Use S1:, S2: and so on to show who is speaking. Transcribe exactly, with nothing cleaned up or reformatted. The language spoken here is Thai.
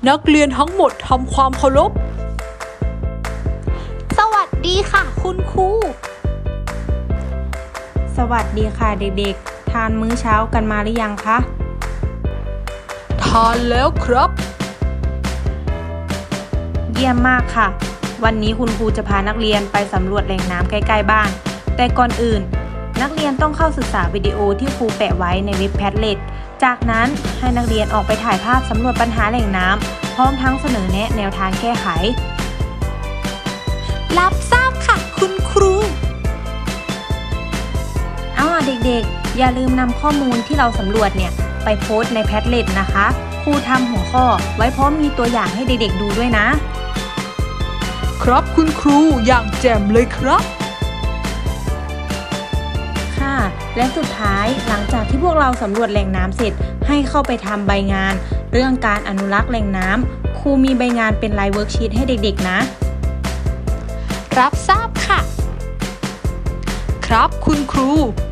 S1: นักเรียนทั้งหมดทำความเคารพ
S2: สวัสดีค่ะคุณครู
S3: สวัสดีค่ะเด็กๆทานมื้อเช้ากันมาหรือยังคะ
S1: ทานแล้วครับ
S3: เยี่ยมมากค่ะวันนี้คุณครูจะพานักเรียนไปสำรวจแหล่งน้ำใกล้ๆบ้านแต่ก่อนอื่นนักเรียนต้องเข้าศึกษาวิดีโอที่ครูแปะไว้ในเว็บ แพดเล็ต จากนั้นให้นักเรียนออกไปถ่ายภาพสำรวจปัญหาแหล่งน้ำพร้อมทั้งเสนอแนะแนวทางแก้ไข
S2: รับทราบค่ะคุณครู
S3: เอาล่ะเด็กๆอย่าลืมนำข้อมูลที่เราสำรวจเนี่ยไปโพสต์ใน แพดเล็ต นะคะครูทำหัวข้อไว้พร้อมมีตัวอย่างให้เด็กๆดูด้วยนะครับ
S1: คุณครูอย่างแจ่มเลยครับ
S3: ค่ะและสุดท้ายหลังจากที่พวกเราสำรวจแหล่งน้ำเสร็จให้เข้าไปทำใบงานเรื่องการอนุรักษ์แหล่งน้ำครูมีใบงานเป็นลายเวิร์กชีตให้เด็กๆนะ
S2: รับทราบค่ะ
S1: ครับคุณครู